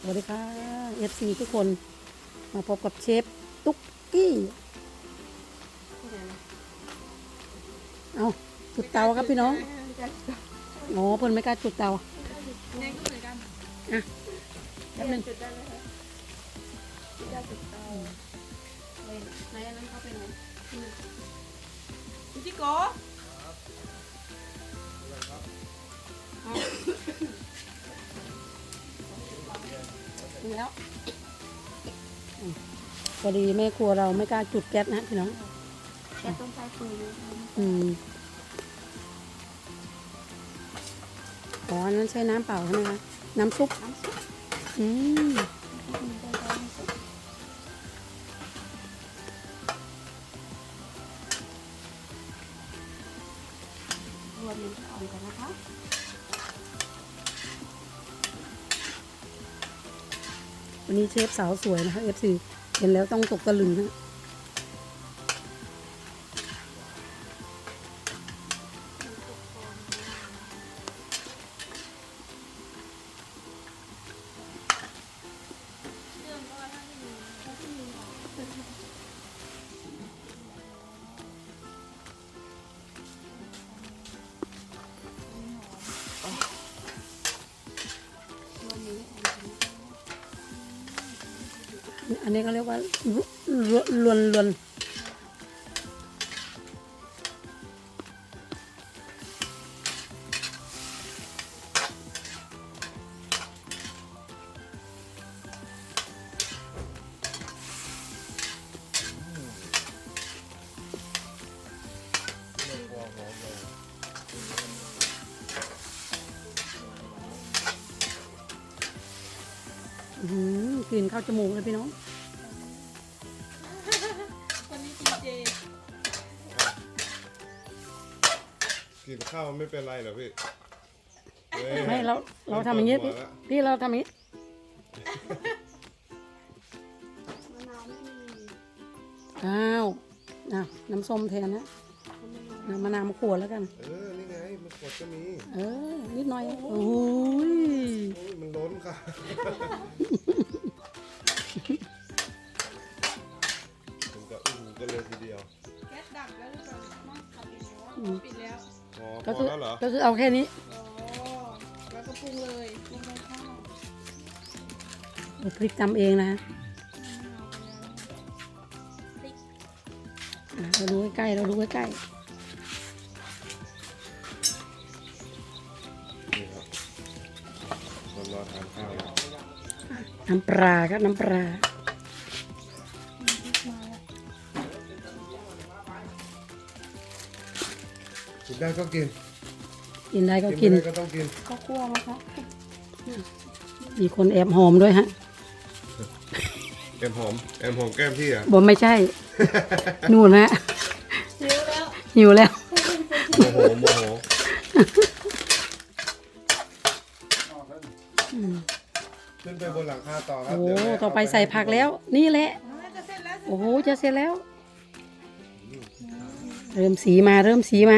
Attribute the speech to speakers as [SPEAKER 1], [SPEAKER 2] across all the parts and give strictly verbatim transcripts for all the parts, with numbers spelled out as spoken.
[SPEAKER 1] วัสดีค่ะ เอฟ ซี ทุกคนมาพบกับเชฟตุ๊กกี้เอาจุดเตาครับพี่น้องโอ้เพิ่นไม่กล้าจุดเตา
[SPEAKER 2] แนงก็เหมือนกัน
[SPEAKER 1] อ่ะแป๊บนึง
[SPEAKER 2] จุดได้ไหมคะจุดได้จุดเตาไหนอันนั้นเขาเป็นไงคุณจิโก้
[SPEAKER 1] ถึงแล้วพอดีแม่ครัวเราไม่กล้าจุดแก๊สนะพี่น้อง
[SPEAKER 2] แกต้องใช้ปืน
[SPEAKER 1] อืมอ๋ออันนั้นใช้น้ำเปล่าใช่ไหมคะน้ำซุป
[SPEAKER 2] น้ำซุป
[SPEAKER 1] อืม
[SPEAKER 2] รวมมันอ่อนกันนะคะ
[SPEAKER 1] วันนี้เชฟสาวสวยนะคะ เอฟ ซี เห็นแล้วต้องตกตะลึงนะอันนี้เขาเรียกว่าลวนลวนลวนกลิ่นเข้าจมูกเลยพี่น้อง
[SPEAKER 2] วันนี้กินเจ
[SPEAKER 3] กินข้าวไม่เป็นไรเหรอพี่
[SPEAKER 1] ไม่เราเราทำอย่างนี้พี่พี่เราทำอย่างนี้อ้าวอ้าวน้ำส้มแทนนะน้ำมะนาวมะขวดแล้วกัน
[SPEAKER 3] เออนี่ไงมันกดก็มี
[SPEAKER 1] เออนิดหน่อยโอ้ย
[SPEAKER 3] มันล้นค่ะมันก็อู้ก็เลยทีเดียว
[SPEAKER 2] แก๊สดับแล้วหรือเปล่าไม่ขับปิดแล้วปิดแล้ว
[SPEAKER 3] พอพอแล้วเหรอ
[SPEAKER 1] ก็คือเอาแค่นี้
[SPEAKER 2] อ๋อแล้วก็ปรุงเลยปรุงกับข้าว
[SPEAKER 1] พริกทำเองนะเราดูใกล้ๆเราดูใกล้
[SPEAKER 3] นี่ครับเรารอทานข้าวแล้ว
[SPEAKER 1] ๆน้ำปลาครับน้ำปลา
[SPEAKER 3] กินได้ก็กิน
[SPEAKER 1] กินได้ก็กิน
[SPEAKER 3] ก็ต้องกิน
[SPEAKER 2] ข้าวคั่วนะคะ
[SPEAKER 1] มีคนแอบหอมด้วยฮะ
[SPEAKER 3] แอมหอมแอมหอมแก้มพี่อ่ะ
[SPEAKER 1] บอกไม่ใช่ นู่นฮะ
[SPEAKER 2] หิวแล้ว
[SPEAKER 1] หิวแล้ว
[SPEAKER 3] โมโหโมโหขึ้นไปบนหลังคาต่อครับ
[SPEAKER 1] โอ้ต่อไปใส่ผักแล้วนี่แหละโอ้โหจะเสร็จแล้วเริ่มสีมาเริ่มสีมา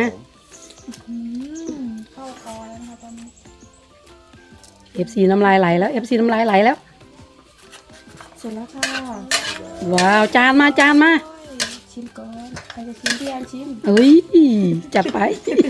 [SPEAKER 2] เข้าคอแล้วนะคะตอนนี้
[SPEAKER 1] เอฟซีน้ำลายไหลแล้วเอฟซีน้ำลายไหลแล้ว
[SPEAKER 2] เสร็จแล้วค่ะ
[SPEAKER 1] ว้าวจานมาจานมา
[SPEAKER 2] ชิมก่อนใครจะชิมพี่อันชิม
[SPEAKER 1] เอ้ยจัดไป
[SPEAKER 2] เห็น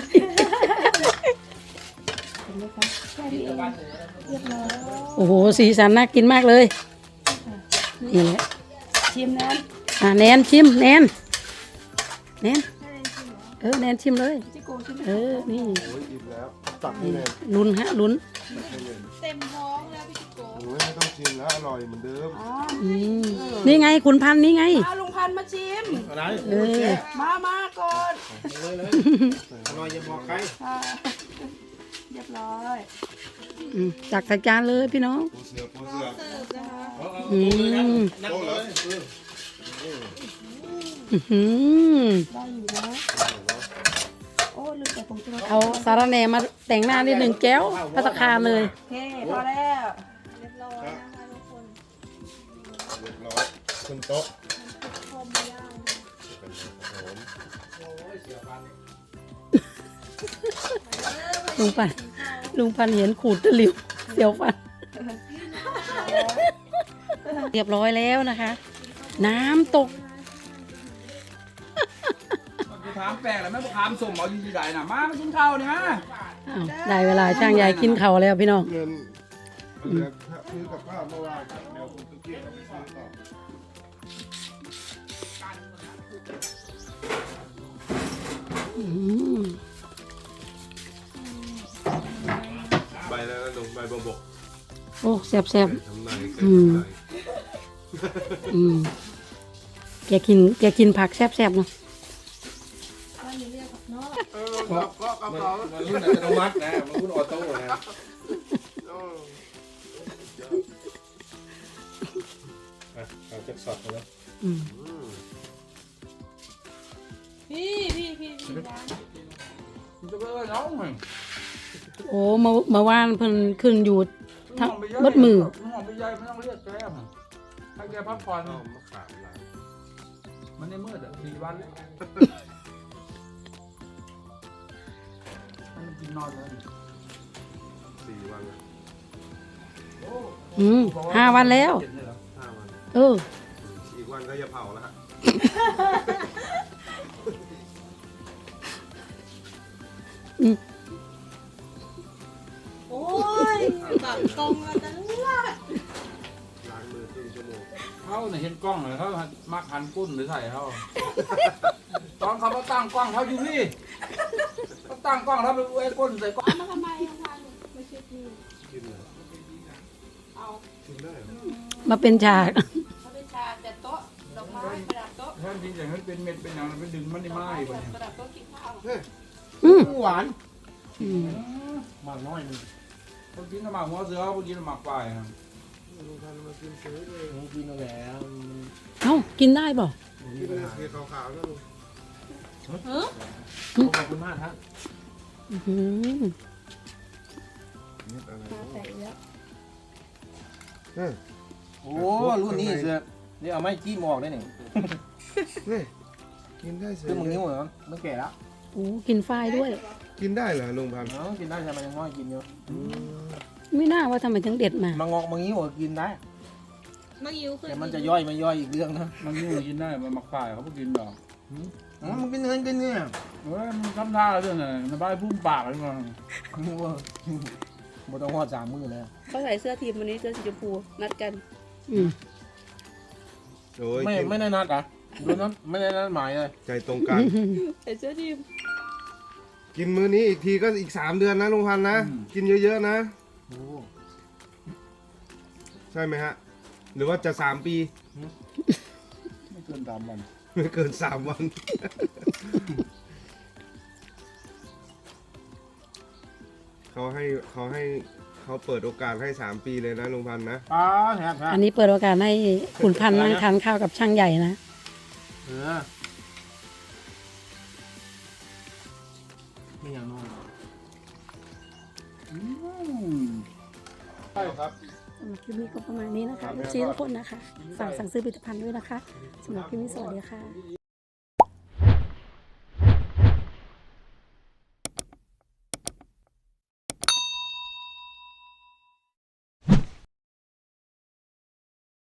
[SPEAKER 2] ไหมคะแค่นี้เองเรียบร้อย
[SPEAKER 1] โอ้โหสีสันน่ากินมากเลยนี่แหละ
[SPEAKER 2] ชิมนะ
[SPEAKER 1] อ่ะแนนชิมแนนแนนเออแนนชิมเลยเออนี่
[SPEAKER 3] โอ้ยอิ่มแล้วตักให้เลย
[SPEAKER 1] ลุ้นฮะลุ้น
[SPEAKER 2] เต็มท้องแล้วพี่จิโก้
[SPEAKER 3] โอ้ยไม่ต้องชิมแล้วอร่อยเหมือนเดิม
[SPEAKER 1] นี่ไงคุณพันนี่ไง
[SPEAKER 2] มาลุงพันมาชิม
[SPEAKER 3] อะไร
[SPEAKER 1] เออ
[SPEAKER 2] มามาก่อน
[SPEAKER 3] เลยเลยอร่อยอย่าบอกใคร
[SPEAKER 2] เรียบร้อย
[SPEAKER 1] จักใส่จานเลยพี่น้อง
[SPEAKER 3] ปูเสือปูเสือ
[SPEAKER 2] เสิร์ฟนะคะ
[SPEAKER 1] อืม
[SPEAKER 3] นั่งเลย
[SPEAKER 1] อืม
[SPEAKER 2] ได้อยู่นะโอ้ลืมแต่ผงชูรส
[SPEAKER 1] เอาสาระแหน่มาแต่งหน้านิดหนึ่งแก้วพัตตาคารเลย
[SPEAKER 2] โอเคพอแล้วเรียบร้อยนะคะทุกคน
[SPEAKER 3] เรียบร้อยขึ้นโต๊ะ
[SPEAKER 2] พร้อมย่าง
[SPEAKER 1] ลุงพันลุงพันเห็นขูดตะหลิวเสียวฟันเรียบร้อยแล้วนะคะ น้ำตก
[SPEAKER 4] กูถามแปลกแล้วแม่กูถามสมเอาอยู่ที่ไหนน่ะมามากินข้าวนี่มา
[SPEAKER 1] อ้าวได้เวลาช่างใหญ่กินเขาวแล้วพี่น้อง
[SPEAKER 3] เงินเหลือซื้อกับข้าวเมื่อวานครับเดี๋ยวผมจะเกี่ยวกับไปซื้อต่อ
[SPEAKER 1] อืม
[SPEAKER 3] ใบแล้วนะลุงใบบวบก
[SPEAKER 1] โอ้แซ่บแซ่บ
[SPEAKER 3] ทำนาย
[SPEAKER 1] อืม อืมแกกินแกกินผักแซ่บแซ่บเนาะ
[SPEAKER 3] ก็ก็กระเป๋า
[SPEAKER 4] มันรุ่นอัตโนมัตินะมันรุ่นออโต้นะ
[SPEAKER 3] เอาจักสอดเลย
[SPEAKER 1] อืม
[SPEAKER 2] พี่พี่พี่พี่ร้าน
[SPEAKER 4] มันจะไปเอาน้องไง
[SPEAKER 1] โอ้เมื่อเมื่อวานเพิ่นขึ้นอยู่ทั้ง
[SPEAKER 4] ไปย่ย
[SPEAKER 1] เบดมือ
[SPEAKER 4] มันหอมไปย่อยไม่ต้องเรียกแกมให้แกพักผ่อน
[SPEAKER 3] เอามะขามล้าง
[SPEAKER 4] มันในมืดอ่ะสี่วันแล้วมันกินนอนเลย
[SPEAKER 3] สี่วันแล้ว
[SPEAKER 1] อืมห้าวันแล้ว
[SPEAKER 4] เจ็ดเลยเหรอ
[SPEAKER 3] ห้าวัน
[SPEAKER 1] เออ
[SPEAKER 3] อีกวันก็จะเผาแล้วฮะ
[SPEAKER 2] โอ้ยบังกองมาตั้งละ
[SPEAKER 3] ล้างมือครึ่งชั่วโมง
[SPEAKER 4] เขาเนี่ยเห็นกล้องเลยเขามักหันกุ้นหรือใส่เขาตอนเขามาตั้งกล้องเขาอยู่นี่เขาตั้งกล้องเขาไปไอ้ก้นใส่กล้อง
[SPEAKER 2] มาทำไมทำไมไม่ใช่พี่
[SPEAKER 3] กินเลย
[SPEAKER 2] เอา
[SPEAKER 3] กินได้เหรอ
[SPEAKER 1] มาเป็นฉาก
[SPEAKER 2] เขาเป็นชาแต่โต๊ะดอกไม้ประดับโต๊ะ
[SPEAKER 4] ถ้าจริงอย่างนั้นเป็นเม็ดเป็นอย่างนั้นไปดึงมันได้ไหมวะเนี่ย
[SPEAKER 2] ประดับโต๊ะกินข้าว
[SPEAKER 1] อืม
[SPEAKER 4] หวาน
[SPEAKER 1] อืม
[SPEAKER 4] หมากน้อยนึงพอกินหมากหัวเสือพอกินหมากปลายครับ
[SPEAKER 3] ลุงพันธุ์มากินซื้อเลย
[SPEAKER 4] กินแล้ว
[SPEAKER 1] เอ้ากินได้บ่
[SPEAKER 3] กินเลยสีขาวๆนะลุง
[SPEAKER 2] เออ
[SPEAKER 4] ขอบคุณมากครับ
[SPEAKER 1] อื้อหือ
[SPEAKER 3] นิดอะไร
[SPEAKER 2] มาใส่แล้ว
[SPEAKER 3] เฮ้ย
[SPEAKER 5] โอ้รุ่นนี้เสือนี่เอาไม้จี้หมอกได้หนึ่ง
[SPEAKER 3] เฮ้ยกินได้เสีย
[SPEAKER 5] คือมึงนิ้วเหรอมันแก่แล้ว
[SPEAKER 1] โอ้กินฝ้ายด้วย
[SPEAKER 3] กินได้เหรอลุงพันธุ์
[SPEAKER 5] เนาะกินได้ใช่ไหมยังน้อยกินอยู่
[SPEAKER 1] ไม่น่าว่าทำไมถึงเด็ดมา
[SPEAKER 5] มางอกมังนิ้วกินได้
[SPEAKER 2] มายิ้วคือ
[SPEAKER 5] แต่มันจะย่อยไม่ย่อยอีกเรื่องนะ
[SPEAKER 4] มันนี่กินได้มันหมากปลายเขาพวกกินดอก
[SPEAKER 5] อ๋อมันกินเงินกินเนี่ย
[SPEAKER 4] เฮ้ยมันทำท่าเรื่องอะไรมันบ้าพุ่มปากอะไรมา
[SPEAKER 5] นึกว่าบต้องหอดสามมือเลย
[SPEAKER 2] เขาใส่เสื้อทีมวันนี้เสื้อสีชมพูนัดกัน
[SPEAKER 1] อืม
[SPEAKER 3] โอ้ย
[SPEAKER 5] ไม่
[SPEAKER 3] กิน
[SPEAKER 5] ไม่ได้นัดอ่ะดูนั้นไม่ได้นัดหมายเลย
[SPEAKER 3] ใจตรงกัน
[SPEAKER 2] ใส่เสื้อทีม
[SPEAKER 3] กินมื้อนี้อีกทีก็อีกสามเดือนนะลุงพันธุ์นะ กินเยอะๆนะ
[SPEAKER 5] โอ้
[SPEAKER 3] ใช่ไหมฮะ หรือว่าจะสามปี
[SPEAKER 4] ไม่เกินสามวัน
[SPEAKER 3] ไม่เกินสามวัน เขาให้เขาให้เขาเปิดโอกาสให้สามปีเลยนะลุงพันธุ์นะ
[SPEAKER 5] ป้าแทบแทบ
[SPEAKER 1] อันนี้เปิดโอกาสให้ขุนพันธ์นั่งทานข้าวกับช่างใหญ่นะ
[SPEAKER 5] เออไม่อย่างน้อย
[SPEAKER 4] ใช่ครับ
[SPEAKER 1] สำหรับคลิปนี้ก็ประมาณนี้นะคะซีทุกคนนะคะฝากสั่งซื้อผลิตภัณฑ์ด้วยนะคะสำหรับคลิปนี้สวัสดีค่ะ